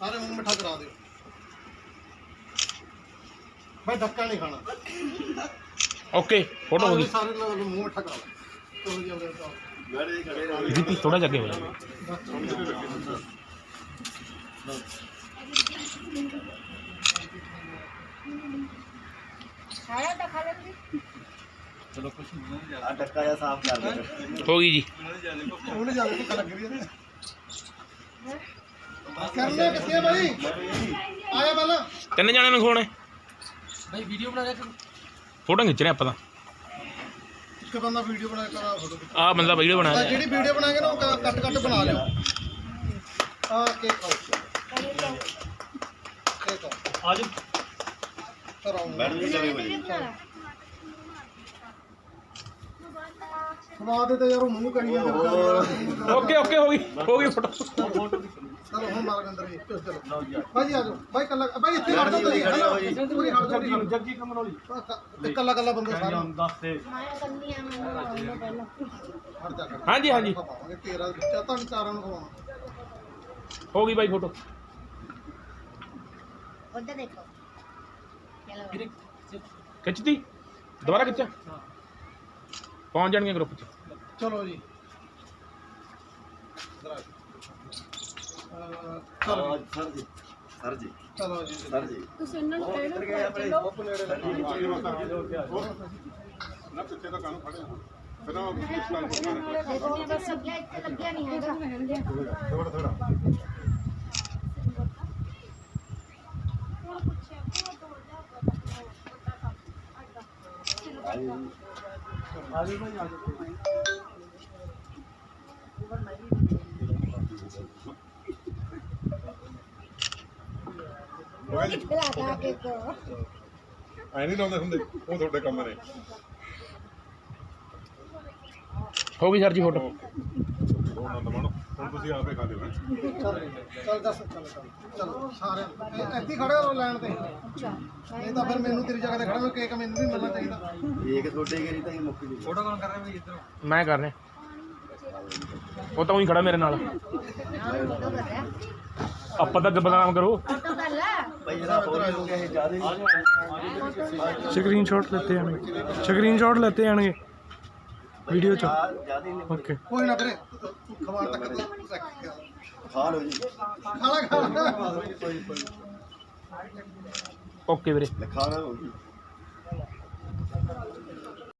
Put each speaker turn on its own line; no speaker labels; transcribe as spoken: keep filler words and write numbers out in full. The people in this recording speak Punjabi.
सारे मुंह मिठा करा दो भाई, धक्का नहीं खाना।
ओके फोटो होगी
सारे लोग मुंह मिठा करा दो।
दीदी थोड़ा जगह हो जाए।
चलो कुछ धक्का या साफ कर दो।
होगी जी
ਉਹਨੇ ਜਾ ਕੇ ਧੱਕਾ ਲੱਗ ਰਹੀ ਹੈ ਕਰਨੇ ਕਿੱਥੇ ਭਾਈ ਆਇਆ ਪਹਿਲਾਂ
ਤਿੰਨ ਜਾਣੇ ਨੂੰ ਖਵਾਉਣੇ
ਭਾਈ ਵੀਡੀਓ ਬਣਾ ਰਿਹਾ
ਫੋਟੋ ਖਿੱਚ ਰਹੇ ਆਪਾਂ ਤਾਂ
ਇੱਕ ਬੰਦਾ ਵੀਡੀਓ ਬਣਾ ਕੇ ਕਰਾ ਫੋਟੋ
ਆ ਬੰਦਾ ਵੀਡੀਓ ਬਣਾ ਰਿਹਾ
ਜਿਹੜੀ ਵੀਡੀਓ ਬਣਾਏਗਾ ਨਾ ਉਹ ਕੱਟ ਕੱਟ ਬਣਾ ਲਿਓ ਆ ਕੇਕ ਖਾਓ ਕੇਕ ਆ ਜੀ ਕਰਾਉਂ
मैडम जी चले भाई
ਸਵਾਦ ਤੇ ਯਾਰ ਉਹ ਮੂੰਹ ਕਰੀ ਜਾਂਦੇ
ਓਕੇ ਓਕੇ ਹੋ ਗਈ ਹੋ ਗਈ ਫੋਟੋ
ਚਲੋ ਹੁਣ ਮਾਰ ਅੰਦਰ ਜੀ ਚਲੋ ਭਾਈ ਆ ਜਾਓ ਭਾਈ ਕੱਲਾ ਭਾਈ ਇੱਥੇ ਹਟ ਜਾਓ ਤੁਸੀਂ ਹਟ ਜਾਓ ਤੁਸੀਂ ਹਟ ਜਾਓ ਜੱਗੀ ਕਮਨੋਲੀ ਕੱਲਾ ਕੱਲਾ ਬੰਦਾ ਸਾਰਾ ਦੱਸ ਦੇ ਮਾਇਆ ਕੰਨੀ ਆ ਮੈਨੂੰ ਪਹਿਲਾਂ ਹਟ ਜਾ
ਹਾਂਜੀ ਹਾਂਜੀ
ਤੇਰਾ ਬੱਚਾ ਤੁਹਾਨੂੰ ਚਾਰਾਂ ਨੂੰ ਖਵਾਉਣਾ
ਹੋ ਗਈ ਬਾਈ ਫੋਟੋ
उधर देखो चलो
ਖਿੱਚਦੀ ਦੁਬਾਰਾ ਖਿੱਚਾਂ ਪਹੁੰਚ ਜਾਣਗੇ ਗਰੁੱਪ 'ਚ
ਚਲੋ ਜੀ ਚਲੋ
सर जी सर जी
ਚਲੋ ਜੀ
सर जी
ਤੁਸੀਂ ਇਹਨਾਂ ਨੂੰ ਕਹਿ ਦਿਓ
ਨਾ ਪਿੱਛੇ ਤਾਂ ਕਾਨੂੰ ਖੜੇ ਹਾਂ ਫਿਰ ਉਹ
ਦੇਖੋ ਬਸ ਸਬਜ਼ੀਆਂ ਇੱਥੇ ਲੱਗਿਆ ਨਹੀਂ ਹੈਗਾ
ਥੋੜਾ ਥੋੜਾ
आगे भाई आगे
खिलाता केक को
ਐ ਨਹੀਂ ਲਾਉਂਦੇ ਹੁੰਦੇ ਉਹ ਤੁਹਾਡੇ ਕੰਮ ਨੇ
ਹੋ ਗਈ ਸਰ ਜੀ ਫੋਟੋ
ਉਹ ਆਨੰਦ ਮਾਣੋ ਹੁਣ ਤੁਸੀਂ ਆਪੇ ਖਾ ਲਿਓ ਹੈਂ।
ਚੱਲ ਦੱਸ ਚੱਲ ਚਲੋ ਸਾਰੇ ਇੱਥੇ ਖੜੇ ਹੋ ਲਾਈਨ ਤੇ ਨਹੀਂ ਤਾਂ ਫਿਰ ਮੈਨੂੰ ਤੇਰੀ ਜਗ੍ਹਾ ਤੇ ਖੜਾ ਮੈਂ ਕੇਕ ਮੈਨੂੰ ਵੀ ਮਿਲਣਾ ਚਾਹੀਦਾ
एक छोटे के नहीं तो मुक्की दी
ਫੋਟੋ ਕੌਣ ਕਰ ਰਿਹਾ ਭਾਈ ਇੱਧਰ
ਮੈਂ ਕਰ ਰਿਹਾ ਉਹ ਤਾਂ ਉਹੀ ਖੜਾ ਮੇਰੇ ਨਾਲ
फोटो कर रहा
ਆਪਾਂ ਤਾਂ ਬਦਨਾਮ ਕਰੋ
फोटो कर ला
भाई जरा और हो गया है ज्यादा
ਸਕਰੀਨਸ਼ਾਟ ਲੈਤੇ ਆਣਗੇ ਸਕਰੀਨਸ਼ਾਟ ਲੈਤੇ ਆਣਗੇ ਵੀਡੀਓ 'ਚ
ज्यादा ही
ਓਕੇ
ਕੋਈ ਨਾ ਵੀਰੇ ਖਵਾਣ ਤੱਕ ਤੂੰ
खा लो जी
ਖਾਣਾ ਖਾਣਾ
कोई कोई
ਓਕੇ ਵੀਰੇ
खाना होगी